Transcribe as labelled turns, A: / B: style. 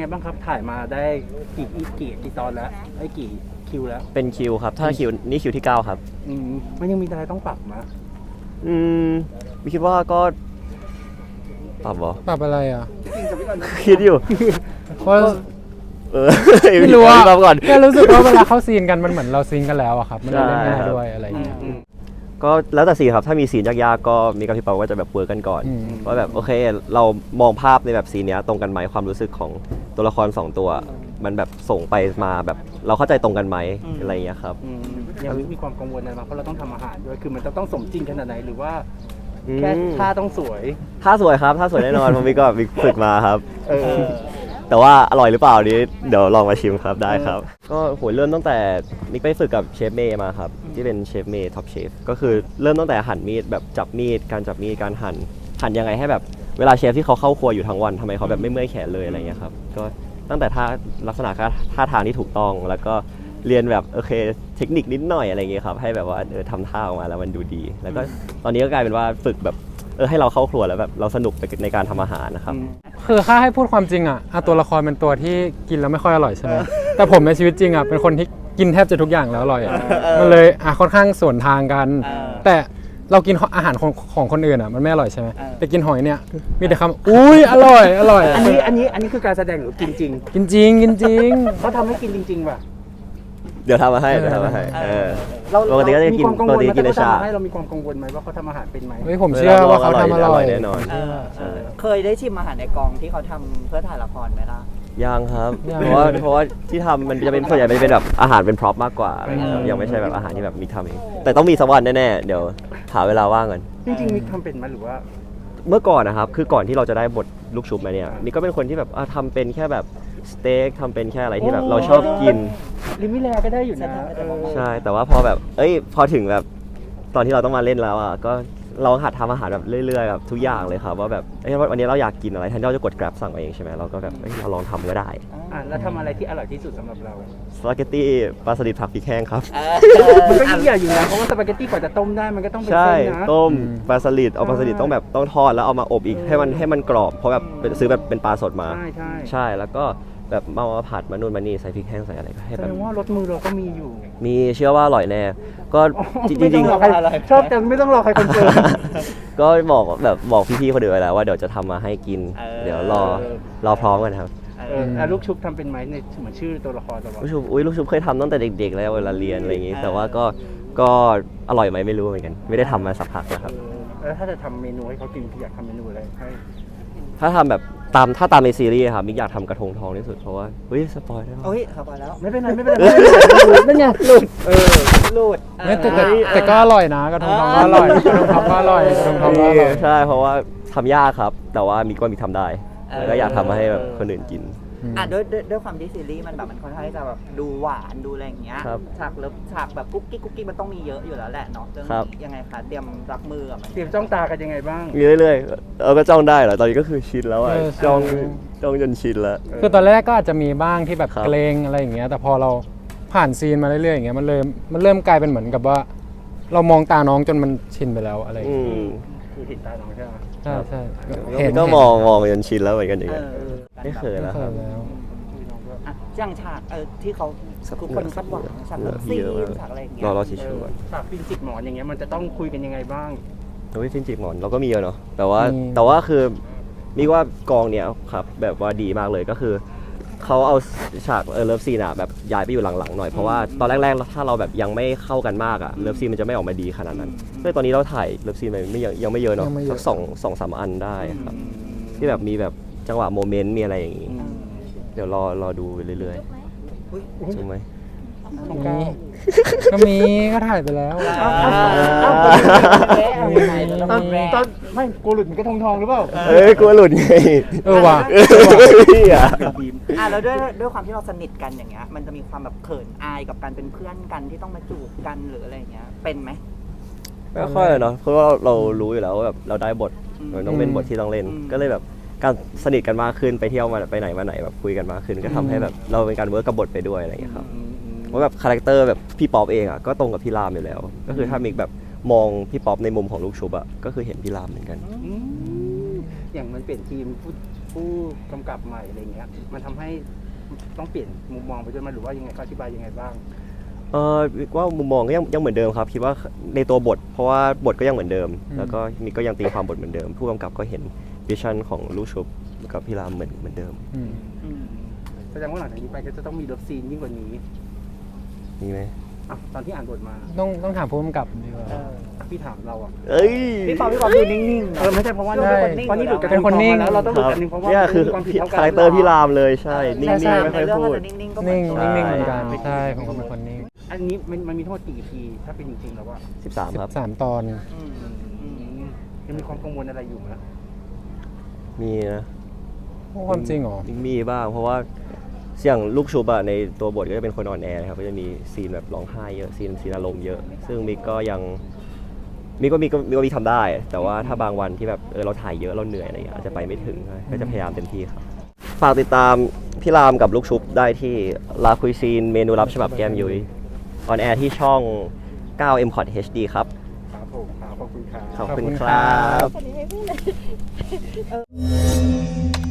A: ไงบ้างครับถ่ายมาได้กี่ตอนแล้วได้กี่คิวแล้ว
B: เป็นคิวครับถ้าคิวนี่คิวที่9ครับ
A: มันยังมีอะไรต้องปรับมั้ย
B: มีคิดว่าก็ปรับเหรอ
C: ปรับอะไรอ่ะ
B: คิดอยู่
C: เพราะ
B: ไม่
C: รู้ว่า
B: ก่อน
C: แค่รู้สึกว่าเวลาเข้าซีนกันมันเหมือนเราซีนกันแล้วอะครับมันเลยเล่นง่ายด้วยอะไรอย่างเงี้ย
B: ก็แล้วแต่ซีนครับถ้ามีซีนยากๆก็มีกับพี่เปาก็จะแบบเวิร์กกันก่อนว่าแบบโอเคเรามองภาพในแบบซีนเนี้ยตรงกันไหมความรู้สึกของตัวละคร2ตัวมันแบบส่งไปมาแบบเราเข้าใจตรงกันไหมอะไรอย่างเงี้ยครับ
A: ยังมีความกังวลอะไรบ้างเพราะเราต้องทำอาหารด้วยคือมันจะต้องสมจริงขนาดไหนหรือว่าแค่ท่าต้องสวย
B: ท่าสวยครับท่าสวยแน่นอนผมมีก็มีฝึกมาครับแต่ว่าอร่อยหรือเปล่านี้เดี๋ยวลองมาชิมครับได้ครับก็โหเริ่มตั้งแต่มิกไปฝึกกับเชฟเมย์มาครับที่เป็นเชฟเมย์ท็อปเชฟก็คือเริ่มตั้งแต่หั่นมีดแบบจับมีดการจับมีดการหั่นยังไงให้แบบเวลาเชฟที่เขาเข้าครัวอยู่ทั้งวันทำไมเขาแบบไม่เมื่อยแขนเลยอะไรเงี้ยครับก็ตั้งแต่ท่าลักษณะท่าทางที่ถูกต้องแล้วก็เรียนแบบโอเคเทคนิคนิดหน่อยอะไรเงี้ยครับให้แบบว่าทำท่าออกมาแล้วมันดูดีแล้วก็ตอนนี้ก็กลายเป็นว่าฝึกแบบให้เราเข้าครัวแล้วแบบเราสนุกในการทำอาหารนะครับ
C: คือถ้าให้พูดความจริงอ่ะตัวละครเป็นตัวที่กินแล้วไม่ค่อยอร่อยใช่ไหมแต่ผมในชีวิตจริงอ่ะเป็นคนที่กินแทบจะทุกอย่างแล้วอร่อยมันเลยค่อนข้างสวนทางกันแต่เรากินอาหารของคนอื่นอ่ะมันไม่อร่อยใช่ไหมแต่กินหอยเนี่ยมีแต่คำอุ้ยอร่อย
A: อันนี้คือการแสดงหรือกินจริง
C: กินจริง
A: เขาทำให้กินจริงๆป่ะ
B: เดี๋ยวทำมาให้ปกติก็จะกินปกติกินในชา
A: เรามีความกังวลไหมว่าเขาทำอาหารเป็นไหม
C: ผมเชื่อว่าเขาทำอร่อย
B: แน่นอน
D: เคยได้ชิมอาหารในกองที่เขาทำเพื่อถ่ายละครไหมล่ะ
B: ยังครับเพราะว่าที่ทำมันจะเป็นส่วนใหญ่เป็นแบบอาหารเป็นพร็อพมากกว่ายังไม่ใช่แบบอาหารที่แบบมิกทำเองแต่ต้องมีสักวันแน่ๆเดี๋ยวหาเวลาว่างกัน
A: จริงๆมิกทำเป็นไหมหรือว่า
B: เมื่อก่อนนะครับคือก่อนที่เราจะได้บทลูกชุบมาเนี่ยมิกก็เป็นคนที่แบบทำเป็นแค่แบบสเต็กทำเป็นแค่อะไรที่แบบเราชอบกิน
A: ลิมิแลก็ได้อยู่นะ
B: ใช่แต่ว่าพอแบบพอถึงแบบตอนที่เราต้องมาเล่นแล้วอ่ะก็เราหัดทำอาหารแบบเรื่อยๆแบบทุกอย่างเลยครับว่าแบบวันนี้เราอยากกินอะไรแทนที่เราจะกด Grab สั่งมาเองใช่ไหมเราก็แบบเราลองทำก็ได้
A: แล้วทำอะไรที่อร่อยที่สุดสำหรับเรา
B: สปาเกตตี้ปลาสลิดผักพริกแห้งครับ
A: มันก็ยิ่งใหญ่อยู่นะเพราะว่าสปาเกตตี้กว่าจะต้มได้มันก็ต้องเป็นเส้นนะ
B: ต้มปลาสลิดเอาปลาสลิดต้องทอดแล้วเอามาอบอีกให้มันกรอบเพราะแบบซื้อแบบเป็นปลาสดมาใช่แล้วก็แบบมาผัดมานู่นมานี่ใส่พริกแห้งใส่อะไรก็ให้แบบ
A: แสดงว่ารสมือเราก็มีอยู่
B: มีเชื่อว่าอร่อยแน่ก็จริง
A: ๆชอบแต่ไม่ต้องรอใครคนเจอ
B: ก็บอกพี่ๆคนอื่นไว้แล้วว่าเดี๋ยวจะทำมาให้กินเดี๋ยวรอพร้อมกันครับ
A: ลูกชุบทำเป็นไหมในเหมือนชื่อตัวละคร
B: ลูกชุบเคยทำตั้งแต่เด็กๆแล้วเวลาเรียนอะไรอย่างงี้แต่ว่าก็อร่อยไหมไม่รู้เหมือนกันไม่ได้ทำมาสักพักแล้วครับ
A: แล้วถ้าจะทำเมนูให้เขากินอยากทำเมนูอะไรให้
B: ถ้าทำแบบถ้าตามในซีรีส์ครับมิกอยากทำกระทงทองที่สุดเพราะว่าสปอยได้ไหม
D: สปอยแล้ว
A: ไม่เป็นไรนั่นไงหลุด
C: แต่ก็อร่อยนะกระทงทองก็อร่อยกระทงทองก็อร่อยกระทงทองก็อร่อย
B: ใช่เพราะว่าทำยากครับแต่ว่ามิกทำได้แล้วก็อยากทำมาให้แบบคนอื่นกิน
D: ด้วยความที่ซีรีส์มันแบบมันค่อนข้างที่จะแบบดูหวานดูอะไรอย่างเงี้ยฉากเลิฟฉากแบบกุ๊กกิ๊กมันต้องมีเยอะอยู่แล้วแหละเนาะเรื่องนี้ยังไงคะเตรียมรับมือกับมัน
A: เตรียมจ้องตากันยังไงบ้าง
B: มีเรื่อยๆก็จ้องได้เหรอตอนนี้ก็คือชินแล้วจ้องจนชินแล้ว
C: คือตอนแรกก็อาจจะมีบ้างที่แบบเกรงอะไรอย่างเงี้ยแต่พอเราผ่านซีนมาเรื่อยๆอย่างเงี้ยมันเริ่มกลายเป็นเหมือนกับว่าเรามองตาน้องจนมันชินไปแล้วอะไรอย่างเงี้ย
A: คือเห็นตาน้องใช่ไหม
C: ใช่
B: เห็นก็มองจนชินแล้วเหมือนกันอย่างเงี้ยไม่เคยแล้วครับ
D: อย่างฉากที่เขาคนคาดหวังฉากเลิฟซีนฉากอะไรอย่างเงี้ย
B: รอชิชู
A: ฉากฟินจิกหมอนอย่างเงี้ยมันจะต้องคุยกันยังไงบ้าง
B: ฟินจิกหมอนเราก็มีเนาะแต่ว่าคือมีว่ากองเนี้ยครับแบบว่าดีมากเลยก็คือเขาเอาฉากเลิฟซีนแบบย้ายไปอยู่หลังๆหน่อยเพราะว่าตอนแรกๆถ้าเราแบบยังไม่เข้ากันมากเลิฟซีนมันจะไม่ออกมาดีขนาดนั้นเลยตอนนี้เราถ่ายเลิฟซีนไปยังไม่เยอะเนาะสัก2-3 อันได้ครับที่แบบมีแบบจังหวะโมเมนต์มีอะไรอย่างงี้เดี๋ยวรอดูไปเรื่อยๆใช่ไหม
C: ก็มีก็ถ่ายไปแล้ว
A: ตอนไม่กลัวหลุดมันก็ทองหรือเปล่
B: ากลัวหลุดไง
C: ว่ะ
D: แล้วด้วยความที่เราสนิทกันอย่างเงี้ยมันจะมีความแบบเขินอายกับการเป็นเพื่อนกันที่ต้องมาจูบกันหรืออะไรอย่างเงี้ยเป็นไหม
B: ไม่ค่อยเนาะเพราะว่าเรารู้อยู่แล้วว่าแบบเราได้บทมันต้องเป็นบทที่ต้องเล่นก็เลยแบบการสนิทกันมากขึ้นไปเที่ยวมาไปไหนมาไหนแบบคุยกันมากขึ้นก็ทำให้แบบเราเป็นการเวิร์กกับบทไปด้วยอะไรอย่างเงี้ยครับว่าแบบคาแรคเตอร์แบบพี่ป๊อปเองก็ตรงกับพี่รามอยู่แล้วก็คือถ้ามิกแบบมองพี่ป๊อปในมุมของลูกชุบก็คือเห็นพี่รามเหมือนกัน
A: อย่างมันเปลี่ยนทีมผู้กำกับใหม่อะไรเงี้ยมันทำให้ต้องเปลี่ยนมุมมองไปด้วยไหมหรือว่ายังไงเขาอธิบายยังไงบ้าง
B: ว่ามุมมองก็ยังเหมือนเดิมครับคิดว่าในตัวบท เพราะว่าบทก็ยังเหมือนเดิม แล้วก็มีก็ยังตีความบทเหมือนเดิม ผู้กำกับก็เห็นวิชั่นของลูกชุบกับพี่รามเหมือนเดิม
C: อืม
A: แสดงว่าหลังจากนี้ไปก็จะต้องมีเลิฟซีนยิ่งกว่านี้
B: มีไหม
A: อ่ะตอนที่อ่านบทมา
C: ต้องถามผู้กำกับดีกว่า
A: พี่ถามเราอ่ะ
B: เอ้ย
D: พี่ปอดูนิ่งๆ
A: ไม่ใช่เพราะว่า
C: ใช่
A: เพราะนี่หลุดกัน
C: เป็นคนนิ่ง
A: แล้วเราต้องหลุด
B: ครับ
A: กันนึงเพราะว่า
B: เนี่ยคือ
A: มีความผิดเท่ากัน
B: คาแรคเตอร์พี่รามเลยใช่ นิ่
C: ใช่
B: งๆไม่ค่อยพูด
D: นิ่งๆก็
C: นิ่ง
B: ใช่
C: นิ่งเหมือนกันใช่ผมก็เป็นคนนิ่ง
A: อันนี้มันมีทั้งหมดกี่ EP ถ้าเป็นจริงๆแล้วว่า
B: 13 ครับ
C: 13 ตอน
A: ยังมีความกังวลอะไรอยู่ไหม
B: มีนะ
C: ความจริงเหรอ
B: มีบ้างเพราะว่าอย่างลูกชุบอะในตัวบทก็จะเป็นคนอ่อนแอนะครับก็จะมีซีนแบบร้องไห้เยอะซีนอารมณ์เยอะ ซึ่งมิกก็ยังมิกทำได้ แต่ว่าถ้าบางวันที่แบบเราถ่ายเยอะเราเหนื่อยอะไรอย่างเงี้ยอาจจะไปไม่ถึงก็จะพยายามเต็มที่ครับฝากติดตามพี่รามกับลูกชุบได้ที่ลาคุยซีนเมนูลับฉบับแก้มยุ้ยออนแอร์ที่ช่อง 9 M Cot HD ครับ
A: ครับผมครับขอบคุณครับ
B: ขอบคุณ
C: ขอบคุณ
B: ค
C: ครั
B: รับ
C: บ
E: คนนี้ไม่พูดเลย